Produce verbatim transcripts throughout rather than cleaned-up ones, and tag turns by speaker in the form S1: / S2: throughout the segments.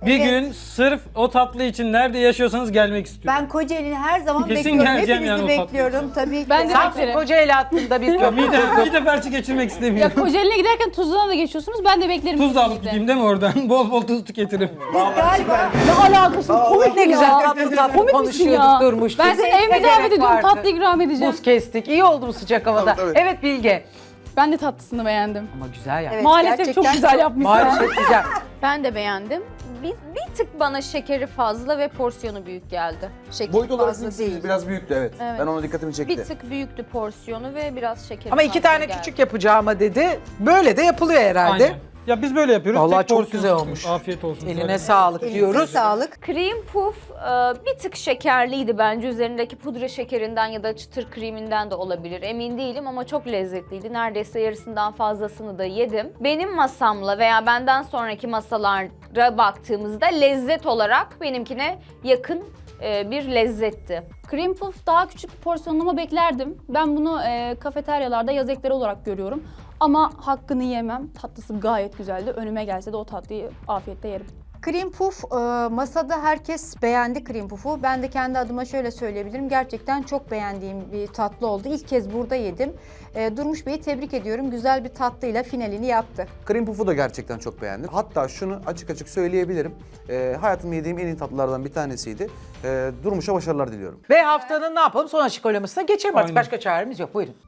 S1: Bir
S2: Evet.
S1: gün sırf o tatlı için nerede yaşıyorsanız gelmek istiyorum.
S2: Ben Kocaeli'ni her zaman
S1: Kesin
S2: bekliyorum.
S1: geleceğim
S2: Hepinizi
S1: yani o tatlı
S2: bekliyorum tabii ki.
S3: Ben de
S4: Samsun
S3: beklerim.
S4: Kocaeli hattında bir köprü.
S1: Bir de, bir de felçli geçirmek
S3: Ya
S1: istemiyorum.
S3: Kocaeli'ne giderken Tuzla'na da geçiyorsunuz. Ben de beklerim.
S1: Tuz da alıp
S3: kesinlikle.
S1: gideyim değil mi oradan? Bol bol tuz tüketirim.
S2: Galiba
S3: Ne alakası? Komik
S4: Ne
S3: ya.
S4: güzel tatlı tatlı
S3: Komik misin
S4: konuşuyorduk
S3: ya?
S4: durmuş.
S3: Ben
S4: Bize
S3: size
S4: ne
S3: evime
S4: gerek
S3: davet ediyorum.
S4: vardı?
S3: Tatlı ikram edeceğim.
S4: Buz kestik. İyi oldu bu sıcak havada.
S5: Tabii, tabii.
S4: Evet Bilge.
S3: Ben de tatlısını beğendim.
S4: Ama güzel ya.
S2: Evet,
S3: Maalesef
S2: gerçekten
S3: çok güzel yapmışsın.
S4: Maalesef güzel.
S6: Ben de beğendim. Bir, bir tık bana şekeri fazla ve porsiyonu büyük geldi.
S2: şekil
S5: Boyut olarak
S2: fazla
S5: ikisi
S2: değil.
S5: biraz büyüktü evet.
S6: Evet.
S5: Ben ona dikkatimi çekti.
S6: Bir tık büyüktü porsiyonu ve biraz şekeri
S4: Ama iki
S6: fazla
S4: tane
S6: geldi.
S4: küçük yapacağıma dedi. Böyle de yapılıyor herhalde.
S1: Aynen. Ya biz böyle yapıyoruz.
S4: Vallahi
S1: Tek
S4: çok
S1: porsiyon
S4: güzel
S1: tutuyoruz.
S4: olmuş.
S1: Afiyet olsun.
S4: Eline
S1: Zaten.
S4: sağlık
S2: Elinize
S4: diyoruz.
S2: sağlık.
S6: Cream puff e, bir tık şekerliydi bence. Üzerindeki pudra şekerinden ya da çıtır kreminden de olabilir. Emin değilim ama çok lezzetliydi. Neredeyse yarısından fazlasını da yedim. Benim masamla veya benden sonraki masalara baktığımızda lezzet olarak benimkine yakın e, bir lezzetti.
S3: Cream puff daha küçük bir porsiyonlama beklerdim. Ben bunu e, kafeteryalarda yaz ekleri olarak görüyorum. Ama hakkını yemem. Tatlısı gayet güzeldi. Önüme gelse de o tatlıyı afiyetle yerim.
S2: Cream puff e, masada herkes beğendi cream puff'u. Ben de kendi adıma şöyle söyleyebilirim. Gerçekten çok beğendiğim bir tatlı oldu. İlk kez burada yedim. E, Durmuş Bey'i tebrik ediyorum. Güzel bir tatlıyla finalini yaptı.
S5: Cream puff'u da gerçekten çok beğendim. Hatta şunu açık açık söyleyebilirim. Ee, hayatımda yediğim en iyi tatlılardan bir tanesiydi. Ee, Durmuş'a başarılar diliyorum.
S4: Ve haftanın ne yapalım? Son açık oylamasına geçelim artık.
S1: Aynen.
S4: Başka çaremiz yok. Buyurun.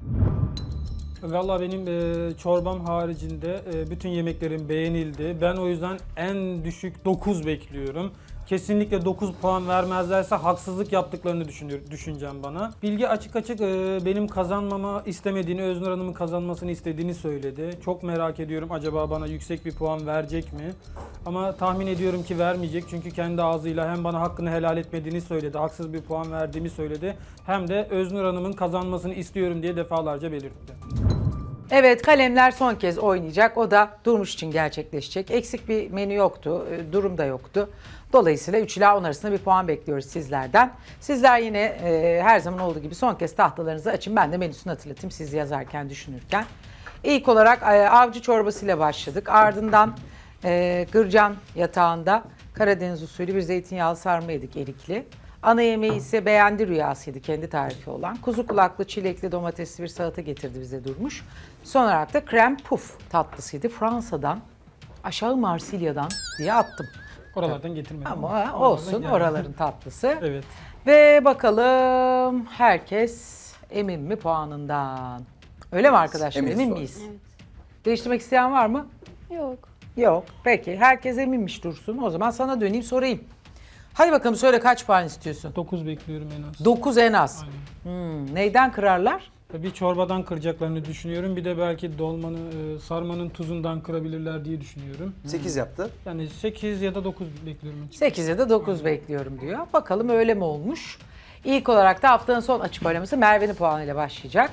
S1: Valla benim e, çorbam haricinde e, bütün yemeklerim beğenildi. Ben o yüzden en düşük dokuz bekliyorum. Kesinlikle dokuz puan vermezlerse haksızlık yaptıklarını düşünüyor, düşüneceğim bana. Bilge açık açık e, benim kazanmama istemediğini, Öznur Hanım'ın kazanmasını istediğini söyledi. Çok merak ediyorum acaba bana yüksek bir puan verecek mi? Ama tahmin ediyorum ki vermeyecek çünkü kendi ağzıyla hem bana hakkını helal etmediğini söyledi, haksız bir puan verdiğimi söyledi. Hem de Öznur Hanım'ın kazanmasını istiyorum diye defalarca belirtti.
S4: Evet, kalemler son kez oynayacak. O da Durmuş için gerçekleşecek. Eksik bir menü yoktu, e, durum da yoktu. Dolayısıyla üç ila on arasında bir puan bekliyoruz sizlerden. Sizler yine e, her zaman olduğu gibi son kez tahtalarınızı açın. Ben de menüsünü hatırlatayım siz yazarken, düşünürken. İlk olarak e, avcı çorbasıyla başladık. Ardından e, Gırcan yatağında Karadeniz usulü bir zeytinyağlı sarma yedik erikli. Ana yemeği ise beğendi rüyasıydı, kendi tarifi olan. Kuzu kulaklı, çilekli, domatesli bir salata getirdi bize Durmuş. Son olarak da krem puf tatlısıydı. Fransa'dan, aşağı Marsilya'dan diye attım.
S1: Oralardan getirmedim.
S4: Ama
S1: Oralardan
S4: olsun,
S1: yani.
S4: oraların tatlısı.
S1: Evet.
S4: Ve bakalım herkes emin mi puanından? Öyle mi arkadaşlar,
S5: Eminiz
S4: emin
S5: var.
S4: miyiz? Değiştirmek isteyen var mı?
S3: Yok.
S4: Yok. Peki, herkes eminmiş Dursun. O zaman sana döneyim sorayım. Hadi bakalım söyle, kaç puan istiyorsun?
S1: dokuz bekliyorum en az.
S4: dokuz en az.
S1: Aynen.
S4: Hmm, neyden kırarlar?
S1: Bir çorbadan kıracaklarını düşünüyorum. Bir de belki dolmanın, e, sarmanın tuzundan kırabilirler diye düşünüyorum.
S5: sekiz yaptı.
S1: Yani sekiz ya da dokuz bekliyorum. açıkçası.
S4: sekiz ya da dokuz bekliyorum diyor. Bakalım öyle mi olmuş? İlk olarak da haftanın son açık oylaması Merve'nin puanıyla başlayacak.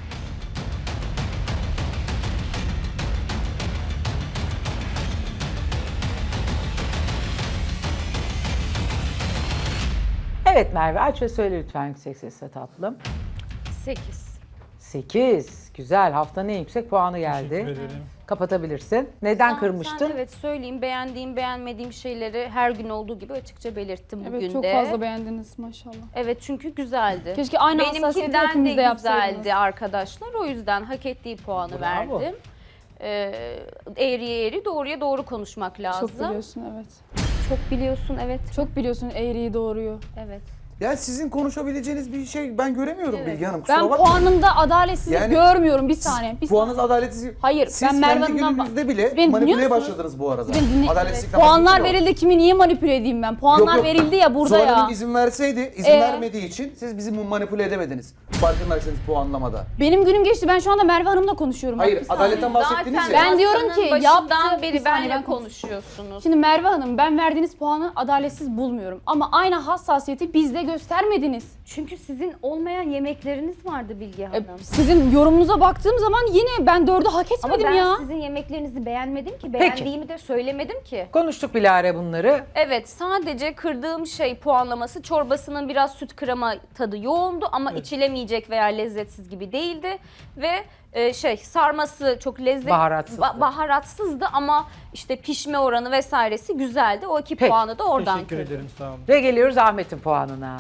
S4: Evet Merve, aç ve söyle lütfen yüksek sesle tatlım.
S6: sekiz.
S4: sekiz. Güzel. Haftanın en yüksek puanı
S1: Teşekkür
S4: geldi.
S1: ederim.
S4: Kapatabilirsin. Neden
S6: Sen-
S4: kırmıştın?
S6: sen evet söyleyeyim, beğendiğim beğenmediğim şeyleri her gün olduğu gibi açıkça belirttim bugün
S3: Evet çok
S6: de.
S3: fazla beğendiniz maşallah.
S6: Evet çünkü güzeldi.
S3: Keşke aynı hassasiyeti
S6: Benimkinden
S3: hepimiz
S6: de
S3: de yapsaydınız.
S6: güzeldi arkadaşlar. O yüzden hak ettiği puanı
S4: Bravo.
S6: verdim. Ee, eğriye eğri, doğruya doğru konuşmak lazım.
S3: Çok biliyorsun evet.
S6: Çok biliyorsun, evet.
S3: Çok biliyorsun eğriyi doğruyu.
S6: Evet.
S5: Yani sizin konuşabileceğiniz bir şey ben göremiyorum
S6: Evet.
S5: Bilge Hanım. Kusura
S3: Ben
S5: bakmayın.
S3: puanınız adaletsizlik
S5: Yani
S3: görmüyorum bir saniye. Bir
S5: Puanınız adaletsiz.
S3: Hayır,
S5: Siz
S3: ben Merve
S5: kendi
S3: Hanım'dan
S5: gününüzde
S3: bak-
S5: bile
S3: Siz beni
S5: manipüleye
S3: dinliyor musunuz?
S5: başladınız bu arada.
S3: Siz beni dinle-
S5: Adaletsizlikten
S3: Puanlar
S5: bahsediyorum.
S3: verildi, kimi niye manipüle edeyim ben? Puanlar
S5: Yok, yok.
S3: verildi ya burada
S5: Zuhal
S3: ya.
S5: Hanım izin verseydi, izin
S3: Ee?
S5: vermediği için siz bizi manipüle edemediniz. Farkındaysanız puanlamada.
S3: Benim günüm geçti. Ben şu anda Merve Hanım'la konuşuyorum. Bak,
S5: Hayır,
S3: bir saniye.
S5: adaletten bahsettiniz
S6: Zaten
S5: ya.
S3: Ben diyorum ki,
S6: masanın
S3: yaptı-
S6: başından
S3: bir
S6: beri
S3: saniye,
S6: benle
S3: ben konuş-
S6: konuşuyorsunuz.
S3: Şimdi Merve Hanım, ben verdiğiniz puanı adaletsiz bulmuyorum. Ama aynı hassasiyeti bizde göstermediniz.
S6: Çünkü sizin olmayan yemekleriniz vardı Bilge
S3: E,
S6: Hanım.
S3: sizin yorumunuza baktığım zaman yine ben dördü hak
S6: Ama
S3: etmedim
S6: ben
S3: ya.
S6: sizin yemeklerinizi beğenmedim ki. Beğendiğimi de söylemedim ki.
S4: Konuştuk Bilare bunları.
S6: Evet, sadece kırdığım şey puanlaması, çorbasının biraz süt krema tadı yoğundu ama içilemeyecek veya lezzetsiz gibi değildi. Ve Ee, şey sarması çok lezzetli,
S4: Baharatsızdı.
S6: baharatsızdı ama işte pişme oranı vesairesi güzeldi. O iki
S4: Peki.
S6: puanı da oradan
S1: Teşekkür
S6: kırdım.
S1: ederim, sağ olun.
S4: Ve geliyoruz Ahmet'in puanına.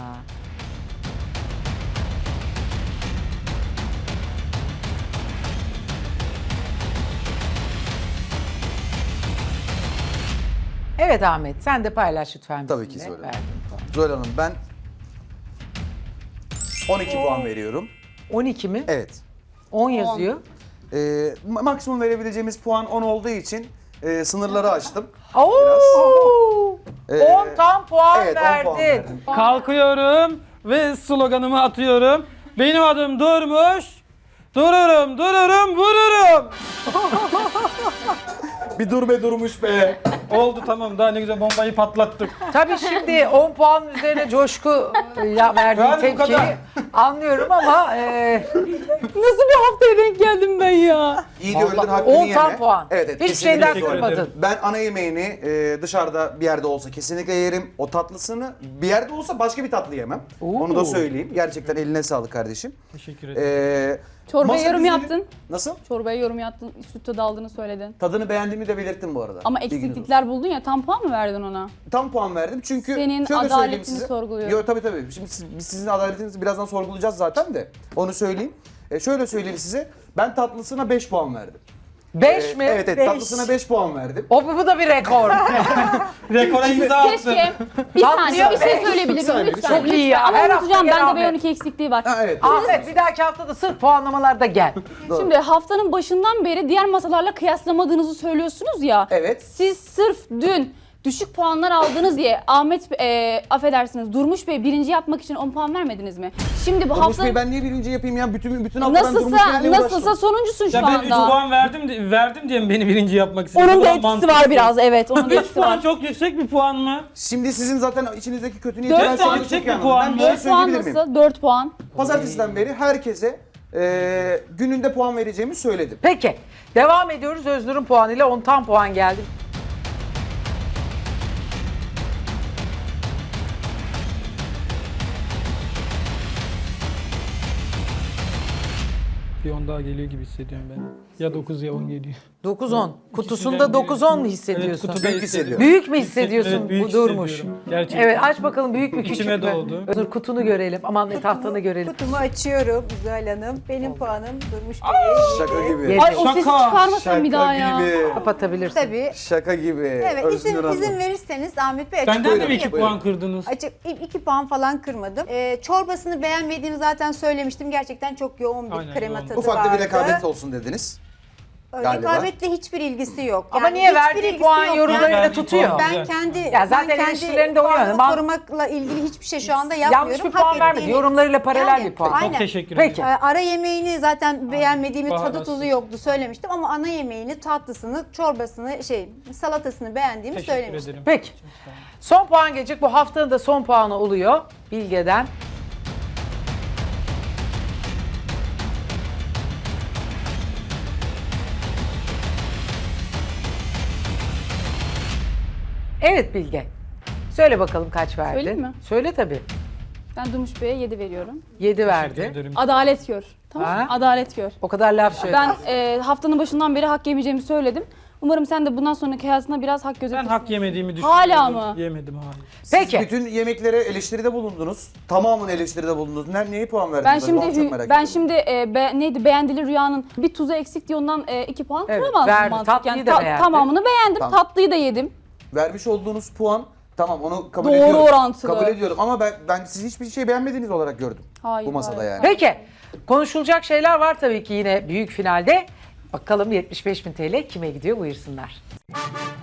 S4: Evet Ahmet, sen de paylaş lütfen
S5: Tabii ki
S4: bizimle.
S5: Zuhal Hanım.
S4: Verdiğin puan.
S5: Zuhal Hanım ben on iki puan veriyorum.
S4: on iki mi?
S5: Evet.
S4: on yazıyor.
S5: Ee, ma- maksimum verebileceğimiz puan on olduğu için e, sınırları açtım.
S4: Oo!
S5: Ee,
S4: on tam puan
S5: evet, on
S4: verdin.
S5: puan verdim.
S1: Kalkıyorum ve sloganımı atıyorum. Benim adım Durmuş. Dururum, dururum, vururum.
S5: Bir dur be Durmuş be.
S1: Oldu, tamam, daha ne güzel bombayı patlattık.
S4: Tabii şimdi on puan üzerine coşku e, ya verdiği
S1: Yani bu
S4: tepkiyi
S1: kadar.
S4: anlıyorum ama e,
S3: Nasıl bir haftaya denk geldim ben ya?
S5: İyi de öldür hakkını
S4: on
S5: yeme.
S4: tam puan.
S5: Evet, evet.
S4: Hiç
S5: kesinlikle
S4: şeyden
S5: Zuhal Hanım.
S4: kırmadın.
S5: Ben ana yemeğini e, dışarıda bir yerde olsa kesinlikle yerim. O tatlısını bir yerde olsa başka bir tatlı yemem.
S4: Oo.
S5: Onu da söyleyeyim. Gerçekten eline sağlık kardeşim.
S1: Teşekkür ederim.
S5: Ee,
S3: Çorbaya
S5: masa
S3: yorum
S5: düzeni-
S3: yaptın.
S5: Nasıl?
S3: Çorbaya yorum yaptın. Süt tadı aldığını söyledin.
S5: Tadını beğendiğimi de belirttim bu arada.
S3: Ama
S5: Bilginiz olsun.
S3: eksiklikler buldun ya, tam puan mı verdin ona?
S5: Tam puan verdim çünkü
S3: Senin
S5: şöyle söyleyeyim
S3: adaletini
S5: size.
S3: sorguluyorum.
S5: Yok tabii tabii. Şimdi siz, biz sizin adaletinizi birazdan sorgulayacağız zaten de. Onu söyleyeyim. E, şöyle söyleyeyim size. Ben tatlısına beş puan verdim.
S4: beş
S5: E,
S4: mi?
S5: Evet evet
S2: Beş.
S5: tatlısına beş puan verdim.
S4: O bu da bir rekor.
S1: Rekora imza attım.
S3: Keşke. Bir
S4: Tatlı
S3: saniye bir şey
S4: beş.
S5: Bir
S3: söyleyebilir
S5: saniye,
S3: miyim
S5: bir
S3: lütfen?
S5: saniye.
S4: Çok iyi ya.
S3: Ama
S4: Her hafta
S3: unutacağım,
S4: gel
S3: bende
S4: Ahmet.
S3: B on iki eksikliği var.
S5: Ha evet.
S4: Ahmet bir dahaki hafta da sırf puanlamalarda gel.
S5: Doğru.
S3: Şimdi haftanın başından beri diğer masalarla kıyaslamadığınızı söylüyorsunuz ya.
S5: Evet.
S3: Siz sırf dün düşük puanlar aldınız diye Ahmet, e, affedersiniz Durmuş Bey birinci yapmak için on puan vermediniz mi? Şimdi bu
S5: Durmuş
S3: hafta
S5: Bey ben niye birinci yapayım ya? Bütün bütün hafta ben Durmuş
S3: nasılsa
S5: Bey'le
S3: nasılsa
S5: uğraştım.
S3: sonuncusun şu
S1: Ya ben üç
S3: anda.
S1: puan verdim di- verdim diye mi beni birinci yapmak istedin?
S3: Onun
S1: Bu
S3: da
S1: da
S3: etkisi
S1: mantıksız.
S3: var biraz, evet. Onun da
S1: üç
S3: etkisi
S1: puan
S3: var.
S1: çok yüksek bir puan mı?
S5: Şimdi sizin zaten içinizdeki kötü niyeti
S3: Dört
S5: ben
S3: puan
S5: çok
S1: yüksek
S5: iyi
S1: bir
S5: anladım.
S1: puan
S5: Ben
S1: mı?
S5: bir şey
S3: dört puan
S5: söyleyebilir miyim?
S3: nasıl? dört puan.
S5: Pazartesiden beri herkese e, gününde puan vereceğimi söyledim.
S4: Peki devam ediyoruz. Öznur'un puanıyla on tam puan geldi.
S1: Bir on daha geliyor gibi hissediyorum ben. Ya dokuz ya on geliyor.
S4: dokuz on. Kutusunda
S1: İkisinden
S4: dokuz on mu
S1: biri-
S4: hissediyorsun?
S1: Evet, kutuda
S5: Büyük hissediyorum.
S4: Büyük mü hissediyorsun
S1: Evet, büyük
S4: bu Durmuş?
S1: hissediyorum. Gerçekten.
S4: Evet aç bakalım büyük mü küçük
S1: İçime
S4: mü?
S1: doğdu.
S4: Öznur kutunu görelim. Aman ne tahtanı görelim.
S2: Kutumu açıyorum Güzel Hanım. Benim puanım Durmuş Bey'e.
S5: Şaka gibi.
S4: Yedi.
S3: Ay o sesi
S1: Şaka,
S3: çıkarmasan bir daha ya.
S5: gibi.
S4: Kapatabilirsin.
S2: Tabii.
S5: Şaka gibi.
S2: Evet, izin,
S5: Öznur Hanım.
S2: izin verirseniz Ahmet Bey açık
S1: Benden de
S5: Buyurun,
S1: mi iki
S5: buyurun.
S1: puan kırdınız?
S2: Açık iki puan falan kırmadım. Ee, çorbasını beğenmediğimi zaten söylemiştim. Gerçekten çok yoğun bir
S1: Aynen,
S2: krema
S1: yoğun.
S2: tadı
S5: Ufak da
S2: vardı.
S5: bir rekabet olsun dediniz. galiba.
S2: Rekabetle hiçbir ilgisi yok.
S4: Ama
S2: Yani
S4: niye
S2: hiçbir
S4: verdiği
S2: ilgisi
S4: puan
S2: yok.
S4: yorumlarıyla
S2: Yani
S1: Verdiği
S4: tutuyor?
S1: puan-
S2: ben
S1: Güzel.
S2: kendi
S4: Ya zaten
S2: ben kendi
S4: eleştirilerinde uyuyor.
S2: puanımı
S4: Ben-
S2: korumakla ilgili hiçbir şey şu anda yapmıyorum.
S4: Yanlış bir
S2: Hak
S4: puan vermedi.
S2: ettiğini-
S4: Yorumlarıyla paralel
S2: Yani,
S4: bir puan.
S2: aynen.
S1: Çok teşekkür
S4: Peki.
S1: ederim.
S2: Ee, Ara yemeğini zaten beğenmediğimi, tadı
S1: Baharatsız.
S2: tuzu yoktu söylemiştim ama ana yemeğini, tatlısını, çorbasını, şey, salatasını beğendiğimi
S1: Teşekkür
S2: söylemiştim.
S1: ederim.
S4: Peki. Son puan gelecek. Bu haftanın da son puanı oluyor Bilge'den. Evet Bilge. Söyle bakalım kaç verdi?
S3: Söyleyeyim mi?
S4: Söyle tabii.
S3: Ben Durmuş Bey'e yedi veriyorum.
S4: yedi
S1: Teşekkür
S4: verdi.
S1: ederim.
S3: Adalet gör. Tamam mı?
S4: Ha?
S3: Adalet gör.
S4: O kadar laf söyledi.
S3: Ben e, haftanın başından beri hak yemeyeceğimi söyledim. Umarım sen de bundan sonraki hayatında biraz hak
S1: Ben
S3: gözetirsin.
S1: hak yemediğimi düşünüyorum.
S3: Hala mı?
S1: Yemedim, hayır.
S5: Siz
S4: Peki.
S5: bütün yemeklere eleştiride bulundunuz. Tamamını eleştiride bulundunuz. Ne, neye puan verdiniz?
S3: Ben
S5: acaba?
S3: şimdi
S5: Onu çok
S3: hü-
S5: merak
S3: ben
S5: ediyorum.
S3: şimdi e, be- neydi beğendili rüyanın bir tuzu eksik diye ondan e, iki puan
S4: Evet,
S3: kıramazdım
S4: verdi.
S3: mantıken.
S4: Tatlıyı da beğendi.
S3: Tamamını beğendim.
S5: Tamam.
S3: Tatlıyı da yedim.
S5: Vermiş olduğunuz puan tamam onu kabul
S3: Doğru
S5: ediyorum.
S3: orantılı.
S5: Kabul ediyorum ama ben ben siz hiçbir şey beğenmediğiniz olarak gördüm.
S3: Hayır,
S5: bu masada
S3: hayır.
S5: yani.
S4: Peki. Konuşulacak şeyler var tabii ki yine büyük finalde. Bakalım yetmiş beş bin T L kime gidiyor buyursunlar.